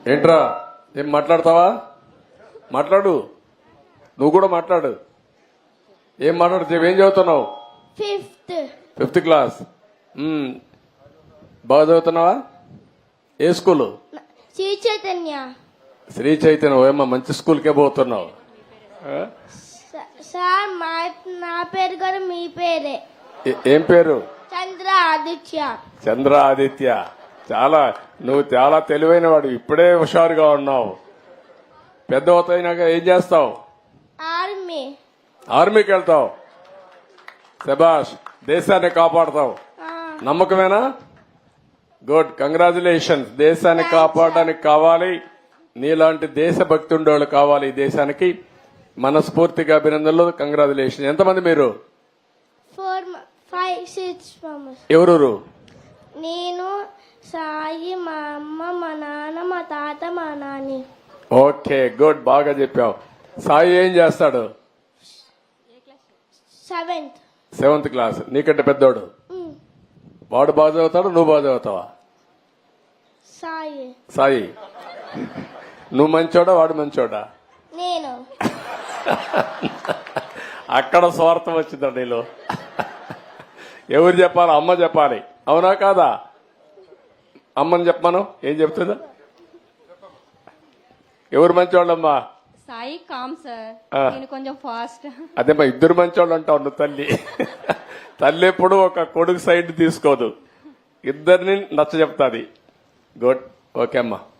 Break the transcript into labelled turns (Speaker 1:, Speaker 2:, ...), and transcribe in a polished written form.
Speaker 1: ఏంట్రా ఏం మాట్లాడతావా? మాట్లాడు, నువ్వు కూడా మాట్లాడు. ఏం మాట్లాడుతావు? ఏం చదువుతున్నావు? Fifth class. బాగా చదువుతున్నావా? ఏ స్కూలు?
Speaker 2: శ్రీ చైతన్య.
Speaker 1: శ్రీ చైతన్య. ఏమన్నా మంచి స్కూల్కే పోతున్నావు?
Speaker 2: సార్ నా పేరు కూడా మీ పేరే.
Speaker 1: ఏం పేరు?
Speaker 2: చంద్ర ఆదిత్య.
Speaker 1: చంద్ర ఆదిత్య. నువ్వు చాలా తెలివైన వాడు, ఇప్పుడే హుషారుగా ఉన్నావు. పెద్ద అవుతాయినాక ఏం చేస్తావు? ఆర్మీకి వెళ్తావు. శభాష్, దేశాన్ని కాపాడతావు. నమ్మకమేనా? Good, congratulations. దేశాన్ని కాపాడడానికి కావాలి, నీలాంటి దేశభక్తి ఉండేవాళ్ళు కావాలి ఈ దేశానికి. మనస్ఫూర్తిగా అభినందనలు, కంగ్రాచులేషన్. ఎంతమంది మీరు?
Speaker 2: 4, 5, 6
Speaker 1: ఎవరు?
Speaker 2: నేను, సాయి, మా అమ్మ, మా నాన్న, మా తాత, మా నాని.
Speaker 1: ఓకే, గుడ్, బాగా చెప్పావు. సాయి ఏం చేస్తాడు? 7th class. నీకంటే పెద్దోడు. వాడు బాగా చదువుతాడు, నువ్వు బాగా చదువుతావా? సాయి. నువ్వు మంచోడా, వాడు మంచోడా?
Speaker 2: నేను.
Speaker 1: అక్కడ స్వార్థం వచ్చిందా నీలో? ఎవరు చెప్పాలి? అమ్మ చెప్పాలి, అవునా కాదా? అమ్మని చెప్పాను. ఏం చెప్తుందా? ఎవరు మంచోళ్ళమ్మా?
Speaker 3: సాయి కామ్ సార్, నేను కొంచెం ఫాస్ట్.
Speaker 1: అదేమ్మా, ఇద్దరు మంచోళ్ళు అంటావు నువ్వు. తల్లి ఎప్పుడు ఒక కొడుకు సైడ్ తీసుకోదు, ఇద్దరిని నచ్చ చెప్తాది. గుడ్, ఓకే అమ్మా.